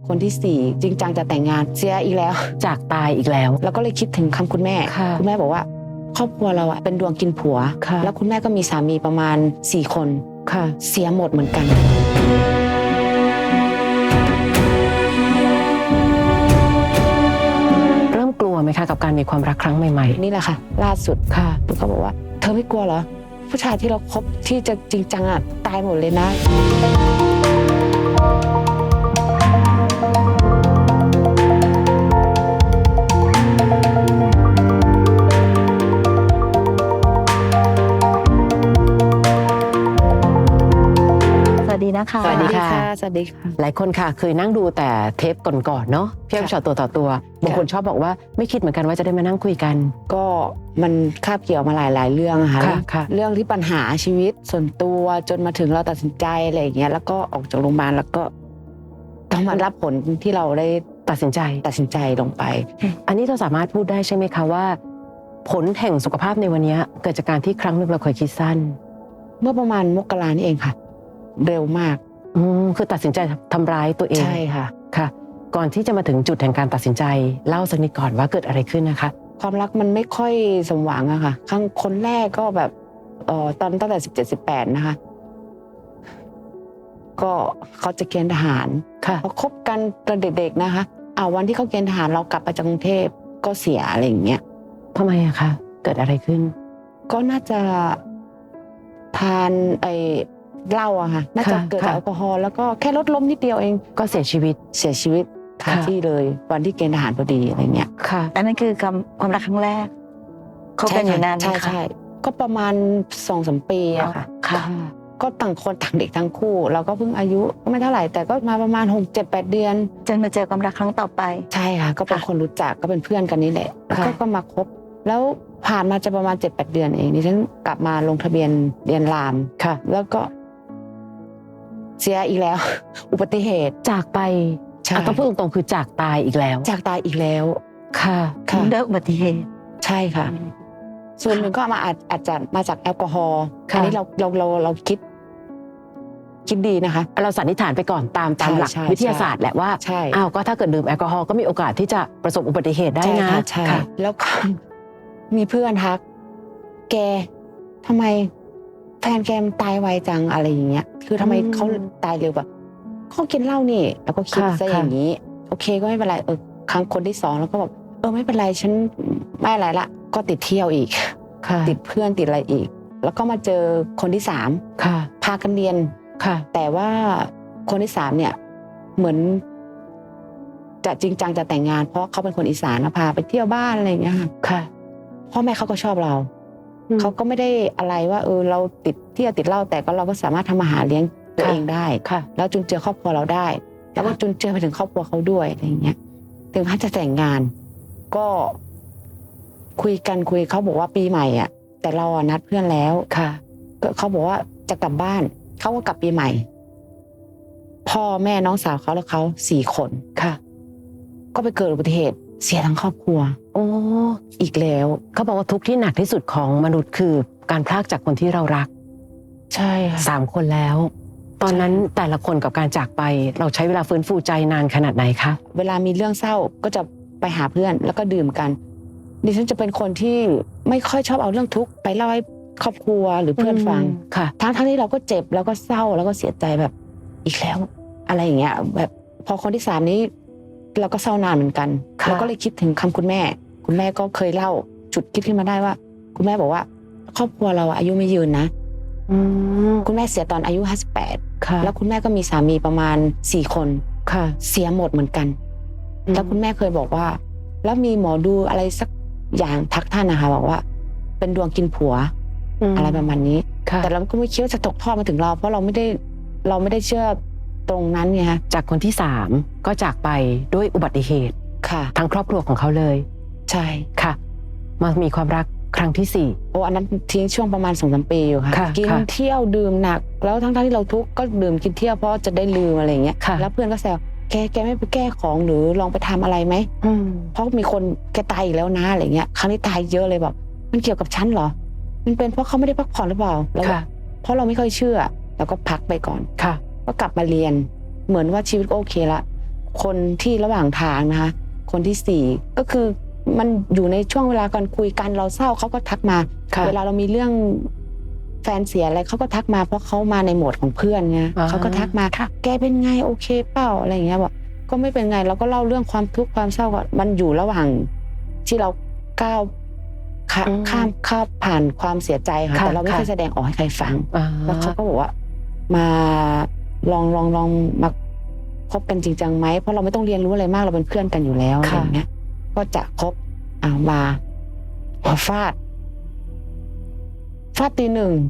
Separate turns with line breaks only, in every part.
คนที่สี่จริงจังจะแต่งงานเสียอีกแล้ว
จากตายอีกแล้ว
แล้วก็เลยคิดถึงคำคุณแม่คุณแม่บอกว่าครอบครัวเราอะเป็นดวงกินผัวแล้วคุณแม่ก็มีสามีประมาณ4 คนเสียหมดเหมือนกัน
เริ่มกลัวไหมคะกับการมีความรักครั้งใหม่
ๆนี่แหละค่ะล่าสุดปุ๊กก็บอกว่าเธอไม่กลัวเหรอผู้ชายที่เราคบที่จะจริงจังอะตายหมดเลยนะ
สวัสดีนะคะ
สวัสดีค่ะสวัสดีค่ะ
หลายคนค่ะเคยนั่งดูแต่เทปก่อนๆเนาะพี่อ้อมชอตตัวต่อตัวบางคนชอบบอกว่าไม่คิดเหมือนกันว่าจะได้มานั่งคุยกัน
ก็มันคาบเกี่ยวมาหลายเรื่องอะค่ะเรื่องที่ปัญหาชีวิตส่วนตัวจนมาถึงเราตัดสินใจอะไรอย่างเงี้ยแล้วก็ออกจากโรงพยาบาลแล้วก็ต้องมารับผลที่เราได้
ตัดสินใจ
ลงไป
อันนี้เราสามารถพูดได้ใช่ไหมคะว่าผลแห่งสุขภาพในวันนี้เกิดจากการที่ครั้งหนึ่งเราเคยคิดสั้น
เมื่อประมาณมกรานี่เองค่ะเร็วมาก
คือตัดสินใจทำร้ายตัวเอง
ใช่ค่ะ
ก่อนที่จะมาถึงจุดแห่งการตัดสินใจเล่าสักนิดก่อนว่าเกิดอะไรขึ้นนะคะ
ความรักมันไม่ค่อยสมหวังอะค่ะครั้งคนแรกก็แบบตอนตั้งแต่17-18นะคะก็เขาจะเกณฑ์ทหารเขาคบกันตอนเด็กๆนะคะวันที่เขาเกณฑ์ทหารเรากลับไปจากกรุงเทพก็เสียอะไรอย่างเงี้ย
ทำไมอะคะเกิดอะไรขึ้น
ก็น่าจะทานเหล้าอะค่ะน่าจะเกิดจากแอลกอฮอล์แล้วก็แค่รถล้มนิดเดียวเอง
ก็เสียชีวิต
คาที่เลยวันที่เกณฑ์ทหารพอดีอะไรเงี้ย
ค่ะอันนั้นคือความรักครั้งแรกคบกันอยู่นานไหมคะ
ใช่ก็ประมาณ 2-3 ปีอะค่ะก็ต่างคนต่างเด็กทั้งคู่เราก็เพิ่งอายุก็ไม่เท่าไหร่แต่ก็มาประมาณ 6-7-8 เดือน
จนมาเจอความรักครั้งต่อไป
ใช่ค่ะก็เป็นคนรู้จักก็เป็นเพื่อนกันนี่แหละแล้วก็มาคบแล้วผ่านมาจะประมาณ 7-8 เดือนเองดิฉันกลับมาลงทะเบียนเรียนรามแล้วก็เสียอีกแล้ว อุบัติเหตุ
จากไปต้องพูดตรงๆคือจากตายอีกแล้ว
ค่ะ
ด้วยอุบัติเหตุ
ใช่ค่ะส่วนหนึ่งก็อาจจะมาจากแอลกอฮอล์อันนี้เราคิดดีนะคะ
เราสันนิษฐานไปก่อนตามหลักวิทยาศาสตร์แหละว่าก็ถ้าเกิดดื่มแอลกอฮอล์ก็มีโอกาสที่จะประสบอุบัติเหตุได้นะ
ใช่แล้วก็มีเพื่อนทักแกทำไมแฟนแกตายไวจังอะไรอย่างเงี้ยคือทำไมเขาตายเร็วแบบเขากินเหล้านี่แล้วก็คิดซะอย่างนี้โอเคก็ไม่เป็นไรครั้งคนที่2แล้วก็แบบไม่เป็นไรฉันไม่อะไรละก็ติดเที่ยวอีกติดเพื่อนติดอะไรอีกแล้วก็มาเจอคนที่3พากันเรียนแต่ว่าคนที่3เนี่ยเหมือนจะจริงจังจะแต่งงานเพราะเขาเป็นคนอีสานพาไปเที่ยวบ้านอะไรอย่างเงี้ยค่ะพ่อแม่เขาก็ชอบเราเขาก็ไม่ได้อะไรว่าเราติดเที่ยวติดเหล้าแต่ก็เราก็สามารถทำอาหารเลี้ยงตัวเองได้แล้วจุนเจือครอบครัวเราได้แล้วก็จุนเจือไปถึงครอบครัวเขาด้วยอะไรอย่างเงี้ยถึงขั้นจะแต่งงานก็คุยเขาบอกว่าปีใหม่อ่ะแต่เรานัดเพื่อนแล้วเขาบอกว่าจะกลับบ้านเขาก็กลับปีใหม่พ่อแม่น้องสาวเขาแล้วเขา4 คนก็ไปเกิดอุบัติเหตุเสียทั้งครอบครัวอีกแล้ว
เขาบอกว่าทุกข์ที่หนักที่สุดของมนุษย์คือการพลากจากคนที่เรารัก
ใช่
3 คนแล้วตอนนั้นแต่ละคนกับการจากไปเราใช้เวลาฟื้นฟูใจนานขนาดไหนคะ
เวลามีเรื่องเศร้าก็จะไปหาเพื่อนแล้วก็ดื่มกันดิฉันจะเป็นคนที่ไม่ค่อยชอบเอาเรื่องทุกข์ไปเล่าให้ครอบครัวหรือเพื่อนฟังทั้งที่เราก็เจ็บแล้วก็เศร้าแล้วก็เสียใจแบบอีกแล้วอะไรอย่างเงี้ยแบบพอคนที่3นี้เราก็เศร้านานเหมือนกันเราก็เลยคิดถึงคำคุณแม่ก็เคยเล่าจุดคิดขึ้นมาได้ว่าคุณแม่บอกว่าครอบครัวเราอายุไม่ยืนนะคุณแม่เสียตอนอายุ58แล้วคุณแม่ก็มีสามีประมาณ4 คนเสียหมดเหมือนกันแล้วคุณแม่เคยบอกว่าแล้วมีหมอดูอะไรสักอย่างทักท่านนะคะบอกว่าเป็นดวงกินผัวอะไรประมาณนี้แต่เราก็ไม่คิดว่าจะตกทอดมาถึงเราเพราะเราไม่ได้เชื่อตรงนั้นไงคะ
จากคนที่3ก็จากไปด้วยอุบัติเหตุทั้งครอบครัวของเขาเลย
ใช่
ค่ะมามีความรักครั้งที่4
อันนั้นทิ้งช่วงประมาณ 2-3 ปีอยู่ค่ะกินเที่ยวดื่มหนักแล้วทั้งที่เราทุกข์ก็ดื่มกินเที่ยวเพราะจะได้ลืมอะไรอย่างเงี้ยแล้วเพื่อนก็แซวแกไม่ไปแก้ของหรือลองไปทำอะไรไหมเพราะมีคนแกตายอีกแล้วนะอะไรเงี้ยครั้งนี้ตายเยอะเลยแบบมันเกี่ยวกับฉันเหรอมันเป็นเพราะเขาไม่ได้พักผ่อนหรือเปล่าแล้วเพราะเราไม่ค่อยเชื่อแล้วก็พักไปก่อนก็กลับมาเรียนเหมือนว่าชีวิตโอเคละคนที่ระหว่างทางนะคะคนที่ 4ก็คือมันอยู่ในช่วงเวลาก่อนคุยกันเราเศร้าเขาก็ทักมา
ค่ะ
เวลาเรามีเรื่องแฟนเสียอะไรเขาก็ทักมาเพราะเขามาในโหมดของเพื่อนไง
อ่า
เขาก็ทักมาแกเป็นไงโอเคเปล่าอะไรอย่างเงี้ยบอกก็ไม่เป็นไงเราก็เล่าเรื่องความทุกข์ความเศร้าก่อนมันอยู่ระหว่างที่เราก้าวข้ามผ่านความเสียใจค่ะ
ค่ะ
แต่เราไม่เคยแสดงออกให้ใครฟัง
อ่า
แล้วเขาก็บอกว่ามาลองมาคบกันจริงจังไหมเพราะเราไม่ต้องเรียนรู้อะไรมากเราเป็นเพื่อนกันอยู่แล้วอะไรอย่างเงี้ยก็จะคบมาฟาดตี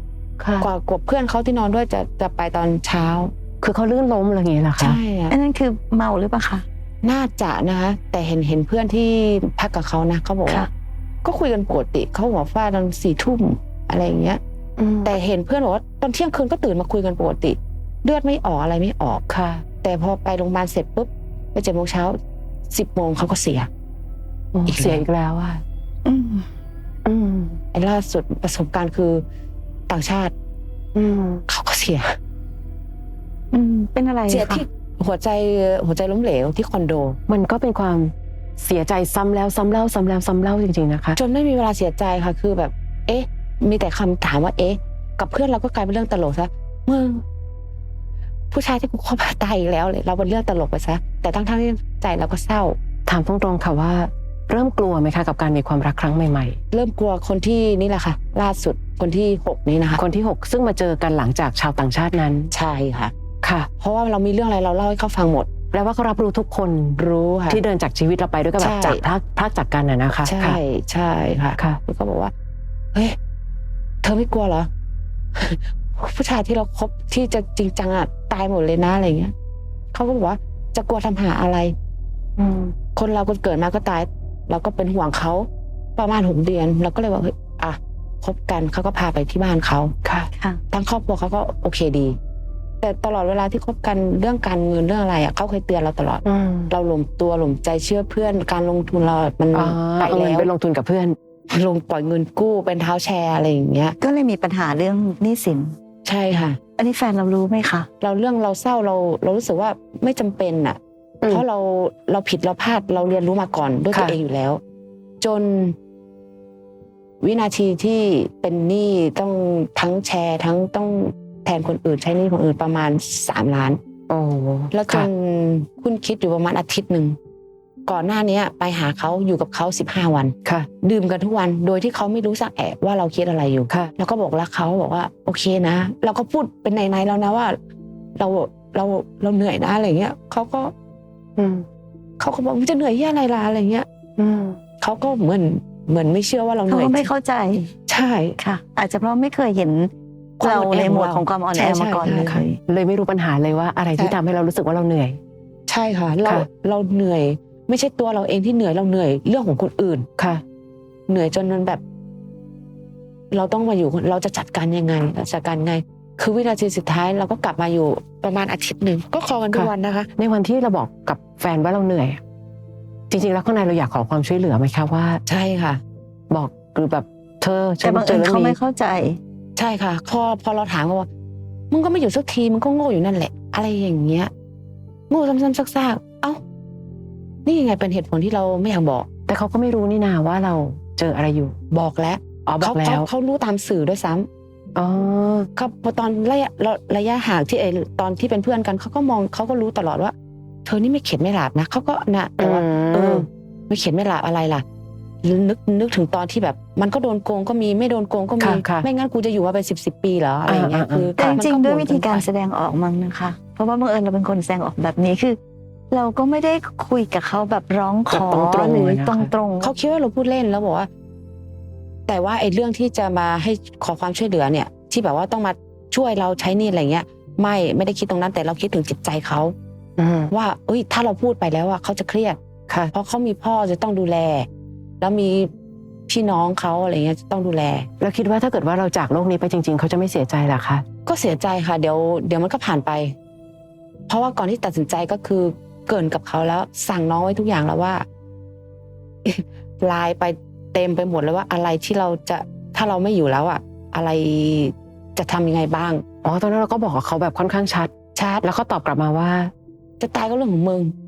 1
ค่ะ
กว่ากบเพื่อนเขาที่นอนด้วยจะไปตอนเช้า
คือเขาลื่นล้มอะไรอย่างเงี้ยเหรอคะ
ใช่อะ
อันนั้นคือเมาหรือเปล่าคะ
น่าจะนะคะแต่เห็นเพื่อนที่พักกับเขานะเขาบอกว่า
ค่ะ
ก็คุยกันปกติเขาบอกฟาดตอน4 ทุ่มอะไรอย่างเงี้ย แต่เห็นเพื่อนบอกว่าตอนเที่ยงคืนก็ตื่นมาคุยกันปกติเลือดไม่ออกอะไรไม่ออก
ค่ะ
แต่พอไปโรงพยาบาลเสร็จปุ๊บไป7 โมงเช้า10 โมงเขาก็เสีย อีกแล้ว
เสียอีกแล้วอ่ะ
อืม
อืม
ไอ้ล่าสุดประสบการณ์คือต่างชาติ
อืม
เขาก็เสีย
เป็นอะไร
เสีย
คะ
ที่หัวใจล้มเหลวที่คอนโด
มันก็เป็นความเสียใจซ้ำแล้วซ้ำเล่าซ้ำแล้วซ้ำเล่าจริงๆนะคะ
จนไม่มีเวลาเสียใจค่ะคือแบบ เอ๊ะ มีแต่คำถามว่า เอ๊ะ กับเพื่อนเราก็กลายเป็นเรื่องตลกซะมึงผู้ชายที่กูคบตายอีกแล้วเลยเราเป็นเรื่องตลกไปซะแต่ทั้งที่ใจเราก็เศร้า
ถามตรงๆค่ะว่า เริ่มกลัวไหมคะกับการมีความรักครั้งใหม่
เริ่มกลัวคนที่นี่แหละค่ะ ล่าสุดคนที่ 6 นี้นะคะ
ๆ คนที่ 6 ซึ่งมาเจอกันหลังจากชาวต่างชาตินั้น
ใช่ค่ะ
ค่ะ
เพราะว่าเรามีเรื่องอะไรเราเล่าให้เขาฟังหมด
แปลว่าเขารับรู้ทุกคน
รู้ค่ะ
ที่เดินจากชีวิตเราไปด้วยกันแบบ
ใช่
จากพรากจากกันน่ะนะคะ
ใช่
ค่ะ
ใช่ค่ะ
ค่ะ
แล้วก็บอกว่า เฮ้ย เธอไม่กลัวเหรอ ผู้ชายที่เราคบที่จะจริงจังอ่ะตายหมดเลยนะอะไรเงี้ยเขาก็บอกว่าจะกลัวทำหาอะไร
อืม
คนเราเกิดมาก็ตาย เราก็เป็นห่วงเขาประมาณ6 เดือนเราก็เลยว่าเฮ้ยอ่ะคบกันเขาก็พาไปที่บ้านเขา
ค่ะ
ค่ะ
ทั้งครอบครัวเขาก็โอเคดี แต่ตลอดเวลาที่คบกันเรื่องการเงินเรื่องอะไรอ่ะเขาเคยเตือนเราตลอด
อืม
เราหลงตัวหลงใจเชื่อเพื่อนการลงทุนเรามัน
อ๋อ
ไป
เอาเงิน
แล้ว
ไปลงทุนกับเพื่อน
ลงปล่อยเงินกู้เป็นเท้าแชร์อะไรอย่างเงี้ย
ก็เลยมีปัญหาเรื่องหนี้สิน
ใช่ค่ะ
อันนี้แฟนเรารู้ไหมคะ
เราเศร้าเรารู้สึกว่าไม่จำเป็นอ่ะ
อืม
เพราะเราผิดเราพลาดเราเรียนรู้มาก่อนด้วย
ค่ะ
ตัวเองอยู่แล้ว จนวินาทีที่เป็นหนี้ต้องทั้งแชร์ทั้งต้องแทนคนอื่นใช้หนี้คนอื่นประมาณ3 ล้าน
โอ้
แล้วจ
ค่ะ
นคุณคิดอยู่ประมาณอาทิตย์หนึ่งก่อนหน้านี้ไปหาเขาอยู่กับเขา15 วัน
ค่ะ
ดื่มกันทุกวันโดยที่เขาไม่รู้สักแอะว่าเราคิดอะไรอยู่
ค่ะ
แล้วก็บอกรักเขาบอกว่า โอเคนะเราก็พูดเป็นในๆแล้วนะว่า เราเหนื่อยนะอะไรเงี้ยเขาก็
อืม
บอกมึงจะเหนื่อยที่อะไรล่ะอะไรเงี้ย
อืม
เขาก็เหมือนไม่เชื่อว่าเราเห
เขา
นื่อย
ก็ไม่เข้าใจ
ใช่
ค่ะ อาจจะเพราะไม่เคยเห็น
ความ
เรา
อ่อนแอ
ในหมวด
ของเรา
ของความอ่อนแอ
ใช่
มาก่อน
ใช่
เลย
ค่ะ
เลยไม่รู้ปัญหาเลยว่าอะไรที่
ใช่
ทำให้เรารู้สึกว่าเราเหนื่อย
ใช่ค่ะ
ค่ะ
เราเหนื่อย ไม่ใช่ตัวเราเองที่เหนื่อยเราเหนื่อยเรื่องของคนอื่น
ค่ะ
เหนื่อยจนมันแบบ เราต้องมาอยู่เราจะจัดการยังไงเราจัดการไง คือวินาทีสุดท้ายเราก็กลับมาอยู่ประมาณอาทิตย์หนึ่งก็คอกันทุก
ค่ะ
วันนะคะ
ในวันที่เราบอกกับแฟนว่าเราเหนื่อยอะจริงๆแล้วข้างในเราอยากขอความช่วยเหลือไหมคะว่า
ใช่ค่ะ
บอกหรือแบบเธอฉั
แต่
น
บาง
เจ
เอิ
อ
ญ
เรื่อง
เขาไม่
นี้
เข้าใจ
ใช่ค่ะพอเราถามเขาว่ามึงก็ไม่อยู่สักทีมึงก็โง่อยู่นั่นแหละ อะไรอย่างเงี้ยโง่ซ้ำๆซากๆเอ้านี่ยังไงเป็นเหตุผลที่เราไม่อยากบอก
แต่เขาก็ไม่รู้นี่นาว่าเราเจออะไรอยู่
บอกแล้ว
อ๋อบอกแล้ว
เขารู้ตามสื่อด้วยซ้ำ
อ๋อ
เขาพอตอนระยะห่างที่ตอนที่เป็นเพื่อนกันเขาก็มองเขาก็รู้ตลอดว่า เธอนี่ไม่เข็ดไม่หลาบนะเขาก็นะแต่ว่า ไม่เข็ดไม่หลาบอะไรล่ะนึกถึงตอนที่แบบ มันก็โดนโกงก็มีไม่โดนโกงก็มี
ค่ะ
ไม่งั้นกูจะอยู่มาเป็น10 ปีเหรออะไรอย่างเงี้ย
อ่า
คือ
แต่จริง
มัน
ๆด้วย
บ่น
วิธีการ
นไป
แสดงออกมั้งนะคะ เพราะว่าบังเอิญเราเป็นคนแสดงออกแบบนี้คือ เราก็ไม่ได้คุยกับเขาแบบร้องขอ
แบบตรงๆ
หรือ
เลยนะคะ
ตรงๆ
เขาคิดว่าเราพูดเล่นแล้วบอกว่า แต่ว่าไอ้เรื่องที่จะมาให้ขอความช่วยเหลือเนี่ย ที่แบบว่าต้องมาช่วยเราใช้หนี่อะไรเงี้ย ไม่ได้คิดตรงนั้นแต่เราคิดถึงจิตใจเขา
อืม
ว่าเอ้ยถ้าเราพูดไปแล้วอะเขาจะเครียด
ค่ะ
เพราะเขามีพ่อจะต้องดูแล แล้วมีพี่น้องเขาอะไรเงี้ยจะต้องดูแล
แล้วคิดว่าถ้าเกิดว่าเราจากโลกนี้ไปจริง ๆ เขาจะไม่เสียใจเหรอคะ
ก็เสียใจค่ะเดี๋ยวมันก็ผ่านไป เพราะว่าก่อนที่ตัดสินใจก็คือเกรินกับเขาแล้วสั่งน้องไว้ทุกอย่างแล้วว่า ไลน์ไปเต็มไปหมดเลยว่าอะไรที่เราจะถ้าเราไม่อยู่แล้วอะอะไรจะทำยังไงบ้าง
อ๋อตอนนั้นเราก็บอกกับเขาแบบค่อนข้างชัด
ชาร์จ
แล้วเขาตอบกลับมาว่า
จะตายก็เรื่องของมึง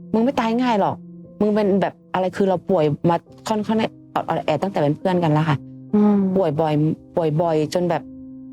มึงไม่ตายง่ายหรอกมึงเป็นแบบอะไรคือเราป่วยมาค่อนข้างออดแอดตั้งแต่เป็นเพื่อนกันแล้วค่ะป่วยบ่อยจนแบบ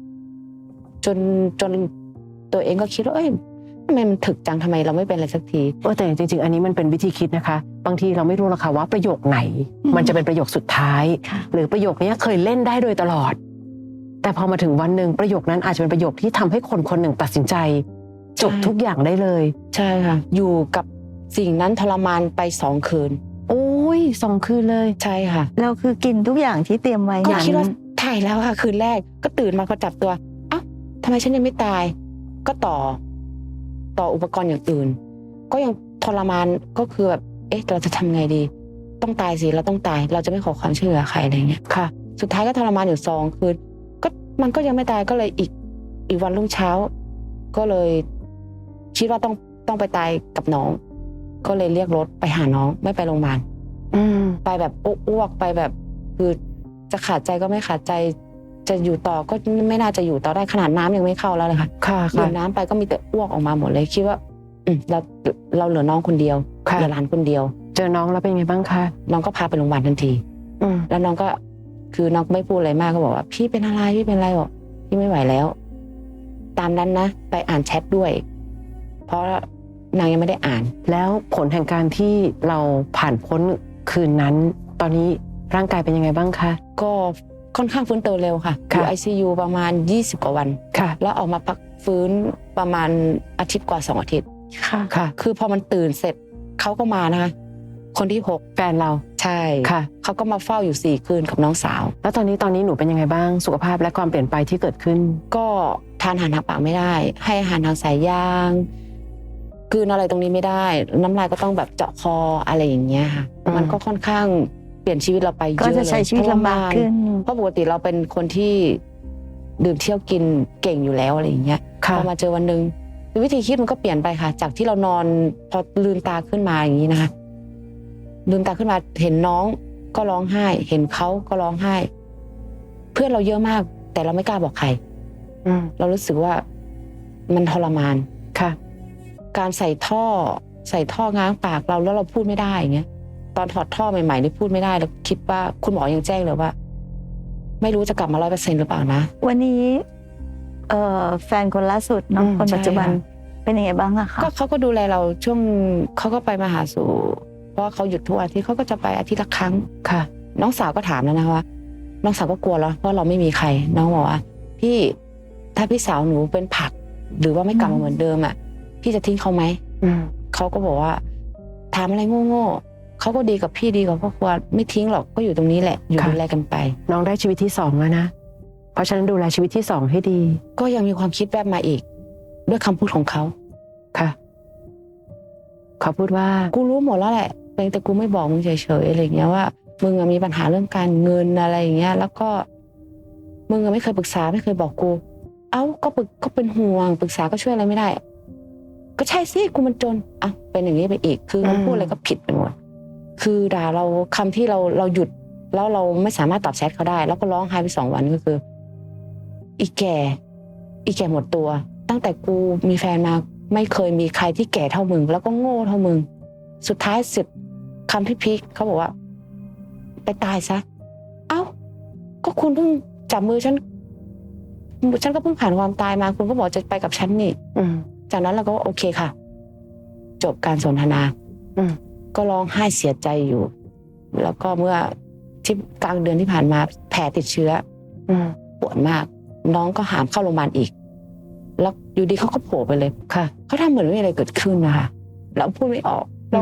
จนตัวเองก็คิดว่าเอ้ยทำไมมันถึกจังทำไมเราไม่เป็นอะไรสักที
แต่จริงๆอันนี้มันเป็นวิธีคิดนะคะบางทีเราไม่รู้หรอกค่ะว่าประโยคไหน มันจะเป็นประโยคสุดท้าย
ค่ะ
หรือประโยคนี้เคยเล่นได้โดยตลอด แต่พอมาถึงวันหนึ่งประโยคนั้นอาจจะเป็นประโยคที่ทำให้คนคนหนึ่งตัดสินใจจบทุกอย่างได้เลย
ใช่ค่ะ อยู่กับสิ่งนั้นทรมานไป2 คืน
โอ้ย2 คืนเลย
ใช่ค่ะ
เราคือกินทุกอย่างที่เตรียมไว้
ก็
อย่าง
คิดว่าถ่ายแล้วค่ะคืนแรกก็ตื่นมาก็จับตัวเอ้าทำไมฉันยังไม่ตาย ก็ต่ออุปกรณ์อย่างอื่น ก็ยังทรมานก็คือแบบเอ๊ะเราจะทำไงดี ต้องตายสิเราต้องตาย เราจะไม่ขอความช่วยเหลือใครอะไรเงี้ย
ค่ะ
สุดท้ายก็ทรมานอยู่2 คืนก็มันก็ยังไม่ตายก็เลยอีกวันรุ่งเช้า ก็เลยคิดว่าต้องไปตายกับน้อง ก็เลยเรียกรถไปหาน้องไม่ไปโรงพยาบาล ไปแบบอ้วกไปแบบคือจะขาดใจก็ไม่ขาดใจจะอยู่ต่อก็ไม่น่าจะอยู่ต่อได้ขนาดน้ำยังไม่เข้าแล้วเลยค่ะ
ค่ะ
ดื่มน้ำไปก็มีแต่อ้วกออกมาหมดเลยคิดว่าเราเหลือน้องคนเดียว
ค่ะ
เหลือหลานคนเดียว
เจอน้องแล้วเป็นไงบ้างคะ
น้องก็พาไปโรงพยาบาลทันที
ม
แล้วน้องก็คือน้องไม่พูดอะไรมากก็บอกว่าพี่เป็นอะไรบอกพี่ไม่ไหวแล้ว ตามนั้นนะไปอ่านแชทด้วย เพราะนางยังไม่ได้อ่าน
แล้วผลแห่งการที่เราผ่านพ้นคืนนั้น ตอนนี้ร่างกายเป็นยังไงบ้างคะ
ก็ค่อนข้างฟื้นตัวเร็วค่ะอ
ค่ะ
ยู่ ICU ประมาณ20 กว่าวัน
ค่ะ
แล้วออกมาพักฟื้นประมาณอาทิตย์กว่า2 อาทิตย์
ค่ะ
ค่ะ
คือพอมันตื่นเสร็จเขาก็มานะคะคนที่6
แฟนเรา
ใช่
ค่ะ
เขาก็มาเฝ้าอยู่4 คืนกับน้องสาว
แล้วตอนนี้หนูเป็นยังไงบ้างสุขภาพและความเปลี่ยนไปที่เกิดขึ้น
ก็ทานอาหารทางปากไม่ได้ ให้อาหารทางสายยางกลืนอะไรตรงนี้ไม่ได้ น้ำลายก็ต้องแบบเจาะคออะไรอย่างเงี้ยค่ะ
อืม
มันก็ค่อนข้างเปลี่ยนชีวิตเราไปเย
ก็
อะเลย
จะใช้ชีวิตลำบากขึ้น
เพราะปกติเราเป็นคนที่ดื่มเที่ยวกินเก่งอยู่แล้วอะไรอย่างเงี้ย
ค่ะ
พอมาเจอวันหนึ่งวิธีคิดมันก็เปลี่ยนไปค่ะ จากที่เรานอนพอลืมตาขึ้นมาอย่างนี้นะคะลืมตาขึ้นมาเห็นน้องก็ร้องไห้ เห็นเขาก็ร้องไห้ เพื่อนเราเยอะมาก แต่เราไม่กล้าบอกใคร เรารู้สึกว่ามันทรมาน
ค่ะ
การใส่ท่อง้างปากเราแล้วเราพูดไม่ได้อย่างเงี้ย ตอนถอดท่อใหม่ๆนี่พูดไม่ได้แล้วคิดว่าคุณหมอยังแจ้งเลยว่า ไม่รู้จะกลับมา100%หรือเปล่านะ
วันนี้แฟนคนล่าสุดเนาะ
อืม
คนปัจจุบัน
ใช่ค่ะ
เป็นยังไงบ้างอะคะ
ก็เขาก็ดูแลเราช่วงเขาก็ไปมาหาสู่ เพราะว่าเขาหยุดทุกอาทิตย์เขาก็จะไปอาทิตย์ละครั้ง
ค่ะ
น้องสาวก็ถามแล้วนะว่า น้องสาวก็กลัวแล้วเพราะเราไม่มีใคร น้องบอกว่า พี่ถ้าพี่สาวหนูเป็นผัก หรือว่าไม่กลับมาเหมือนเดิมอ่ะพี่จะทิ้งเขาไหม เขาก็บอกว่าถามอะไรโง่ๆเขาก็ดีกับพี่ดีกับครอบครัวไม่ทิ้งหรอกก็อยู่ตรงนี้แหละ อยู่
ค่ะ
ดูแลกันไป
น้องได้ชีวิตที่2แล้วนะ เพราะฉะนั้นดูแลชีวิตที่2ให้ดี
ก็ยังมีความคิดแวบมาอีก ด้วยคำพูดของเขา
ค่ะ เขาพูดว่า
กูรู้หมดแล้วแหละแต่กูไม่บอกมึงเฉยๆอะไรอย่างเงี้ยว่ามึงอะมีปัญหาเรื่องการเงินอะไรอย่างเงี้ย แล้วก็มึงอะไม่เคยปรึกษาไม่เคยบอกกู เอ้าก็เป็นห่วงปรึกษาก็ช่วยอะไรไม่ได้ ก็ใช่สิกูมันจนอ่ะเป็นอย่างนี้ไปอีก คือมันพูดอะไรก็ผิดไปหมดคือด่าเราคำที่เราหยุดแล้วเราไม่สามารถตอบแชทเขาได้ แล้วก็ร้องไห้ไป2 วันก็คือ อีแก่หมดตัว ตั้งแต่กูมีแฟนมาไม่เคยมีใครที่แก่เท่ามึง แล้วก็โง่เท่ามึง สุดท้ายสุดคำที่พีคเขาบอกว่า ไปตายซะ เอ้า ก็คุณเพิ่งจับมือฉันก็เพิ่งผ่านความตายมา คุณก็บอกจะไปกับฉันนี่ จากนั้นเราก็โอเคค่ะ จบการสนทนา ก็ร้องไห้เสียใจอยู่ แล้วก็เมื่อที่กลางเดือนที่ผ่านมาแผลติดเชื้อปวดมาก น้องก็หามเข้าโรงพยาบาลอีก แล้วอยู่ดีเขาก็โผล่ไปเลย
ค่ะ
เขาทำเหมือนไม่มีอะไรเกิดขึ้นนะคะเราพูดไม่ออกเรา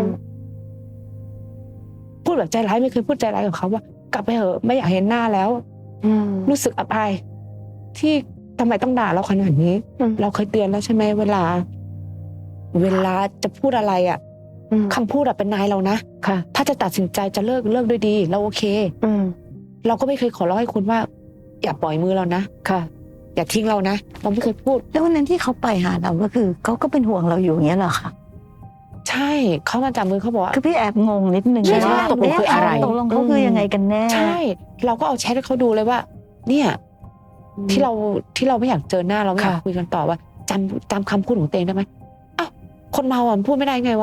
พูดแบบใจร้ายไม่เคยพูดใจร้ายกับเขาว่ากลับไปเถอะไม่อยากเห็นหน้าแล้ว รู้สึกอับอายที่ทำไมต้องด่าเราขนาดนี้ เราเคยเตือนแล้วใช่ไหมเวลาจะพูดอะไรอ่ะคำพูดอะเป็นนายเรานะ
ค่ะ
ถ้าจะตัดสินใจจะเลิกด้วยดีเราโอเค เราก็ไม่เคยขอร้องให้คุณว่า อย่าปล่อยมือเรานะ
ค่ะ
อย่าทิ้งเรานะเราไม่เคยพูด
แล้ววันนั้นที่เขาไปหาเราก็คือเขาก็เป็นห่วงเราอยู่อย่างเงี้ยเหรอคะ
ใช่เขามาจับมือเขาบอกว่า
คือพี่แอบงงนิดนึง
ใช่
ว่า
ตกลงคืออะไร
ตกลงเขาคือยังไงกันแน่
ใช่ เราก็เอาแชทให้เขาดูเลยว่า เนี่ย ที่เราไม่อยากเจอหน้าเราไม่อยาก
ค่ะ
คุยกันต่อว่าจำคำพูดของตัวเองได้ไหมอ้าวคนเมาอ่ะมันพูดไม่ได้ไงวะ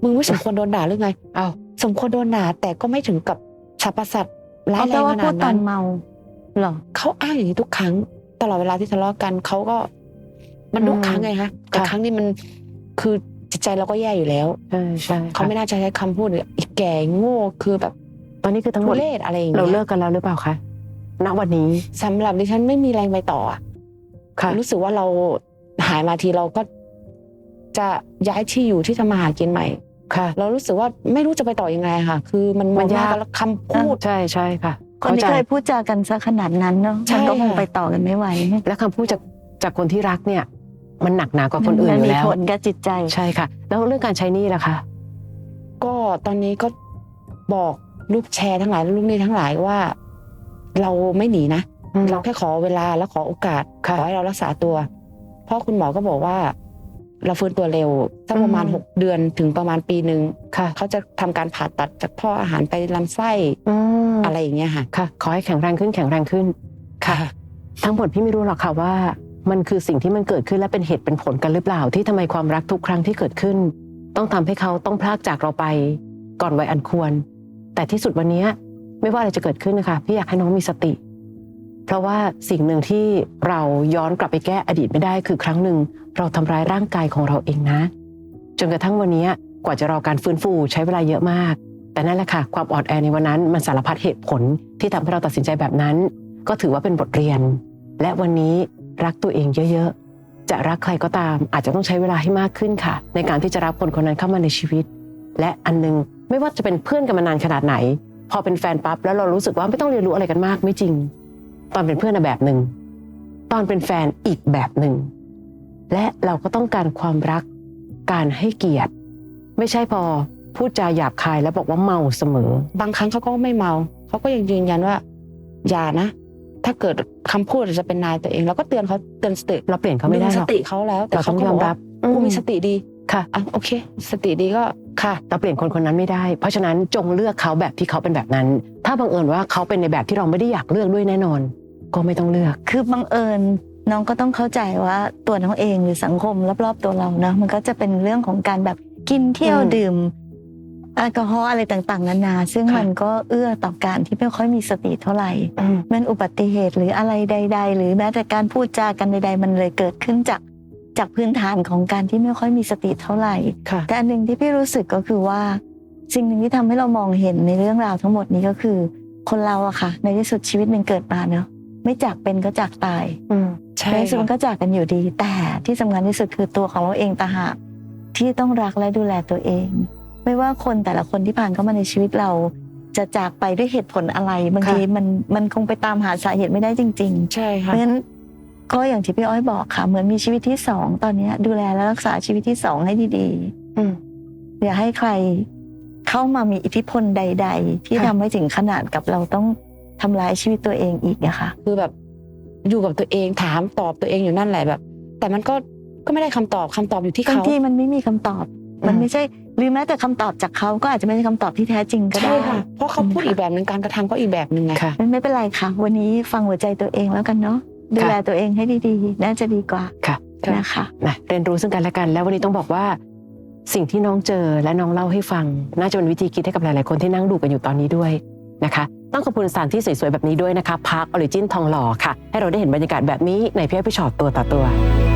มึงไม่สมควรโดนด่าหรือไง
เอา
สมควรโดนด่าแต่ก็ไม่ถึงกับสรรพสัตว์ร้าย
เอา
แร
แต่
ง
ว่า
ข
พู
นา
ด
ด
ตอ
นั้น น
เมาเหรอ
เขาอ้างอย่างนี้ทุกครั้ง ตลอดเวลาที่ทะเลาะกันเขาก็ มันทุกครั้งไงคะแต่ครั้งนี้มันคือจิตใจเราก็แย่อยู่แล้ว
ใช่ใช่
เขาไม่น่าจะใช้คำพูดเลยอีกแก่โง่คือแบบ
ตอนนี้คือทั้งหม
ทุ
ด
เรศอะไรอย่าง
เรา
เงี้ย
เลิกกันแล้วหรือเปล่าคะณวันนี้
สำหรับดิฉันไม่มีแรงไปต่ออะ
ค่ะ
รู้สึกว่าเราหายมาทีเราก็จะย้ายที่อยู่ที่ทำมาหากินใหม่
ค่ะ
เรารู้สึกว่าไม่รู้จะไปต่อยังไงค่ะ คือมันมองหน้ากันแล้วคำพูด
ใช่ใช่ค่ะ
คนที่
ข้าใจ
เคยพูดจากันซะขนาดนั้นเนาะ
ใช่
มันก็คง
ค่ะ
ไปต่อกันไม่ไหว
และคำพูดจากคนที่รักเนี่ย มันหนักหนากว่าคนอื่น
มั
อยู่
มี
แล้ว
ผลกับจิตใจ
ใช่ค่ะ แล้วเรื่องการใช้หนี้ล่ะคะ
ก็ตอนนี้ก็บอกลูกแชร์ทั้งหลายลูกหนี้ทั้งหลายว่า เราไม่หนีนะ เราแค่ขอเวลาและขอโอกาสข
ค่ะ
อให้เรารักษาตัว เพราะคุณหมอก็บอกว่า เราฟื้นตัวเร็วสักประมาณ
อืม
6 เดือนถึงประมาณปีหนึ่ง
ค่ะ
เขาจะทำการผ่าตัดจากท่ออาหารไปลำไส้
ม
อะไรอย่างเงี้ยค่ะ
ค่ะ ขอให้แข็งแรงขึ้นแข็งแรงขึ้น ค่ะ ทั้งหมดพี่ไม่รู้หรอกค่ะว่า มันคือสิ่งที่มันเกิดขึ้นและเป็นเหตุเป็นผลกันหรือเปล่า ที่ทำไมความรักทุกครั้งที่เกิดขึ้น ต้องทำให้เขาต้องพลากจากเราไปก่อนวัยอันควร แต่ที่สุดวันนี้ไม่ว่าอะไรจะเกิดขึ้นนะคะพี่อยากให้น้องมีสติ เพราะว่าสิ่งหนึ่งที่เราย้อนกลับไปแก้อดีตไม่ได้คือครั้งหนึ่งเราทำร้ายร่างกายของเราเองนะ จนกระทั่งวันนี้กว่าจะรอการฟื้นฟูใช้เวลาเยอะมาก แต่นั่นแหละค่ะความอ่อนแอในวันนั้นมันสารพัดเหตุผลที่ทำให้เราตัดสินใจแบบนั้น ก็ถือว่าเป็นบทเรียน และวันนี้รักตัวเองเยอะๆจะรักใครก็ตามอาจจะต้องใช้เวลาให้มากขึ้นค่ะ ในการที่จะรับคนคนนั้นเข้ามาในชีวิต และอันนึงไม่ว่าจะเป็นเพื่อนกันมานานขนาดไหน พอเป็นแฟนปั๊บแล้วเรารู้สึกว่าไม่ต้องเรียนรู้อะไรกันมากไม่จริง ตอนเป็นเพื่อนแบบหนึ่งตอนเป็นแฟนอีกแบบหนึ่งและเราก็ต้องการความรักการให้เกียรติ ไม่ใช่พอพูดจาหยาบคายแล้วบอกว่าเมาเสมอ
บางครั้งเขาก็ไม่เมาเขาก็ยังยืนยันว่า อย่านะ ถ้าเกิดคำพูดจะเป็นนายตัวเองเราก็เตือนเขาเตือนสติ
เราเปลี่ยนเขาไม่ได้
ดึง
ห
ส
รอก
ติเขาแล้ว แต่
เราต้
เขา
อง
ก็
ย
บ
อ
อ
ม
ก
รั
ว่า
บ
กูมีสติดี
ค่ะ
อ่ะโอเค สติดีก็ค่ะ
เราเปลี่ยนคนคนนั้นไม่ได้ เพราะฉะนั้นจงเลือกเขาแบบที่เขาเป็นแบบนั้น ถ้าบังเอิญว่าเขาเป็นในแบบที่เราไม่ได้อยากเลือกด้วยแน่นอน ก็ไม่ต้องเลือก
คือบังเอิญน้องก็ต้องเข้าใจว่าตัวน้องเองหรือสังคมรอบๆตัวเรานะมันก็จะเป็นเรื่องของการแบบกินเที่ยว
อืม
ดื่มแอลกอฮอล์อะไรต่างๆนานาซึ่ง
ค่ะ
มันก็เอื้อต่อการที่ไม่ค่อยมีสติเท่าไหร่มันอุบัติเหตุหรืออะไรใด ๆ หรือแม้แต่การพูดจากันใด ๆ มันเลยเกิดขึ้นจากพื้นฐานของการที่ไม่ค่อยมีสติเท่าไหร่
ค่ะ
แต่อันหนึ่งที่พี่รู้สึกก็คือว่า สิ่งหนึ่งที่ทำให้เรามองเห็นในเรื่องราวทั้งหมดนี้ก็คือ คนเราอะค่ะ ในที่สุดชีวิตมันเกิดมาเนอะไม่จากเป็นก็จากตาย
ใช่
ในที่สุดมัน
ค่ะ
ก็จากกันอยู่ดี แต่ที่สำคัญที่สุดคือตัวของเราเองต่างหากที่ต้องรักและดูแลตัวเอง ไม่ว่าคนแต่ละคนที่ผ่านเข้ามาในชีวิตเรา จะจากไปด้วยเหตุผลอะไรบางทีมันคงไปตามหาสาเหตุไม่ได้จริง ๆ
ใช่
เพ
ค่ะ
ราะฉะนั้นก็อย่างที่พี่อ้อยบอกค่ะ เหมือนมีชีวิตที่สองตอนนี้ดูแลและรักษาชีวิตที่สองให้ดี
อืม
ๆอย่าให้ใครเข้ามามีอิทธิพลใด ๆ ที่
ค่ะ
ทำให้ถึงขนาดกับเราต้องทำร้ายชีวิตตัวเองอีกอะค่ะ
คือแบบอยู่กับตัวเองถามตอบตัวเองอยู่นั่นแหละแบบ แต่มันก็ไม่ได้คำตอบอยู่ที่
บาง
เขา
ทีมันไม่มีคำตอบ มันไม่ใช่หรือแม้แต่คำตอบจากเขาก็อาจจะไม่ใช่คำตอบที่แท้จริงก็
ใช่
ได้
ค่ะ เพราะเขาพูดอีกแบบหนึ่งการกระทำก็อีกแบบหนึ่งไง
ค่ะ
ไม่เป็นไรค่ะ วันนี้ฟังหัวใจตัวเองแล้วกันเนาะดูแลตัวเองให้ดีๆน่าจะดีกว่า
ค่ะ
นะคะ
นะเรียนรู้ซึ่งกันและกัน แล้ววันนี้ต้องบอกว่า สิ่งที่น้องเจอและน้องเล่าให้ฟัง น่าจะเป็นวิธีคิดให้กับหลายๆคนที่นั่งดูกันอยู่ตอนนี้ด้วยนะคะ ต้องขอบคุณสถานที่สวยๆแบบนี้ด้วยนะคะพาร์คออริจินทองหล่อค่ะ ให้เราได้เห็นบรรยากาศแบบนี้ในพี่อ้อยพี่ชอตตัวต่อตัว